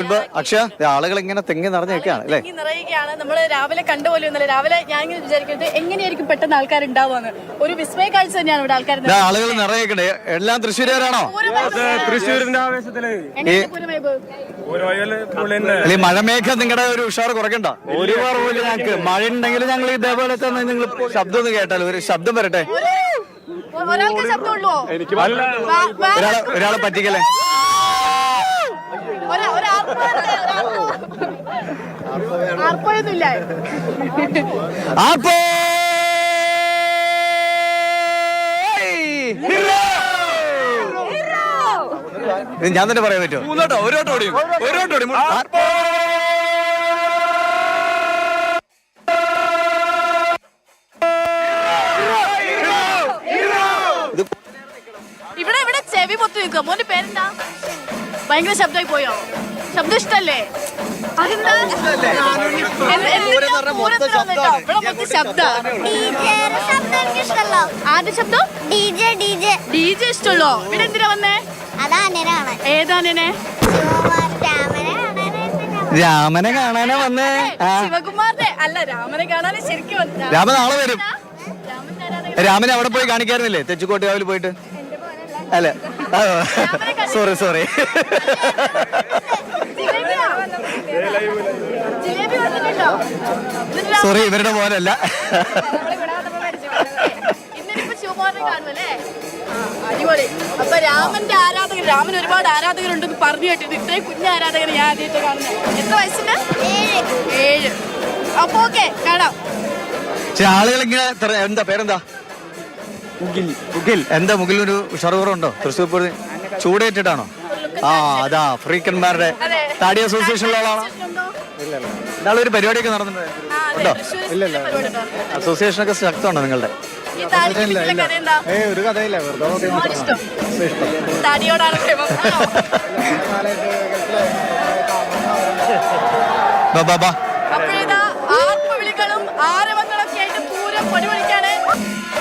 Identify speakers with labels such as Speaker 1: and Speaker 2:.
Speaker 1: സുഹൈബ്, അക്ഷയ, ആളുകൾ ഇങ്ങനെ തെങ്ങി നിറഞ്ഞേക്കാണ് അല്ലേ?
Speaker 2: നിറയുകയാണ്. നമ്മള് രാവിലെ കണ്ടുപോലും രാവിലെ ഞാൻ ഇങ്ങനെ വിചാരിക്കുന്നത് എങ്ങനെയായിരിക്കും പെട്ടെന്ന് ആൾക്കാരുണ്ടാവുക. ഒരു വിസ്മയ കാഴ്ച തന്നെയാണ് ഇവിടെ ആൾക്കാർ.
Speaker 1: ആളുകൾ നിറയേക്കണേ. എല്ലാം തൃശ്ശൂരുകാരാണോ?
Speaker 3: തൃശ്ശൂരിന്റെ ആവേശത്തില്
Speaker 1: മഴമേഘം നിങ്ങളുടെ ഒരു ഉഷാർ കുറയ്ക്കണ്ട. ഒരു കുറവില്ല ഞങ്ങൾക്ക്. മഴ ഉണ്ടെങ്കിൽ ഞങ്ങൾ ഇതേപോലെ തന്നെ നിങ്ങൾ ശബ്ദം ഒന്ന് കേട്ടാലോ. ഒരു ശബ്ദം വരട്ടെ.
Speaker 2: ഒരാൾക്ക് ശബ്ദമുള്ളൂ.
Speaker 1: ഒരാളെ പറ്റിക്കല്ലേ?
Speaker 2: ആർപ്പൊന്നുമില്ല.
Speaker 1: ഞാൻ തന്നെ പറയാൻ പറ്റുമോ? ഒരു
Speaker 2: ഇവിടെ ചെവി പൊത്തി നിൽക്കുക. മോന്റെ പേരെന്താ? ഭയങ്കര ശബ്ദമായി പോയോ? ശബ്ദം ഇഷ്ടല്ലേ? അതെന്താ ആദ്യ ശബ്ദം? DJ ഇഷ്ടമുള്ളോ? ഇവിടെ എന്തിനാ വന്നേ? ഏതാനെ?
Speaker 1: രാമനെ കാണാനാ വന്നേ.
Speaker 2: ശിവകുമാറിനെ അല്ല, രാമനെ കാണാനേ ശരിക്കും വന്നേ.
Speaker 1: രാമൻ നാളെ വരും. രാമനെ അവിടെ പോയി കാണിക്കാറുന്നില്ലേ? തെച്ചിക്കോട്ടുകാവിൽ പോയിട്ട്? അല്ല, സോറി സോറി, ഇവരുടെ പോലല്ല.
Speaker 2: അടിപൊളി. അപ്പൊ രാമന്റെ ആരാധകർ, രാമൻ ഒരുപാട് ആരാധകരുണ്ടെന്ന് പറഞ്ഞു കേട്ടിട്ട് ഇത്രയും കുഞ്ഞ ആരാധകർ ഞാൻ ആദ്യമായിട്ട് കാണുന്നത്. എത്ര വയസ്സിന്? 7. അപ്പൊ ഓക്കെ, കാണാം.
Speaker 1: ആളുകൾ ഇങ്ങനെ എന്താ പേരെന്താ? മുകിൽ. എന്താ മുകിലൊരു ഉഷാറുണ്ടോ? തൃശ്ശൂർ പൂരം ചൂടേറ്റിട്ടാണോ? അതാ ഫ്രീക്കന്മാരുടെ താടി അസോസിയേഷനിലുള്ള ആളാണോ? ഇന്നാളെ ഒരു പരിപാടിയൊക്കെ നടന്നിട്ടുണ്ടോ? അസോസിയേഷനൊക്കെ ശക്തമാണോ നിങ്ങളുടെ?
Speaker 3: ഒരു കഥയില്ല,
Speaker 2: അപ്പോഴേതാ ആർപ്പുവിളികളും ആരവങ്ങളൊക്കെ ആയിട്ട് പൂരം പൊടിപൊളിക്കാണ്.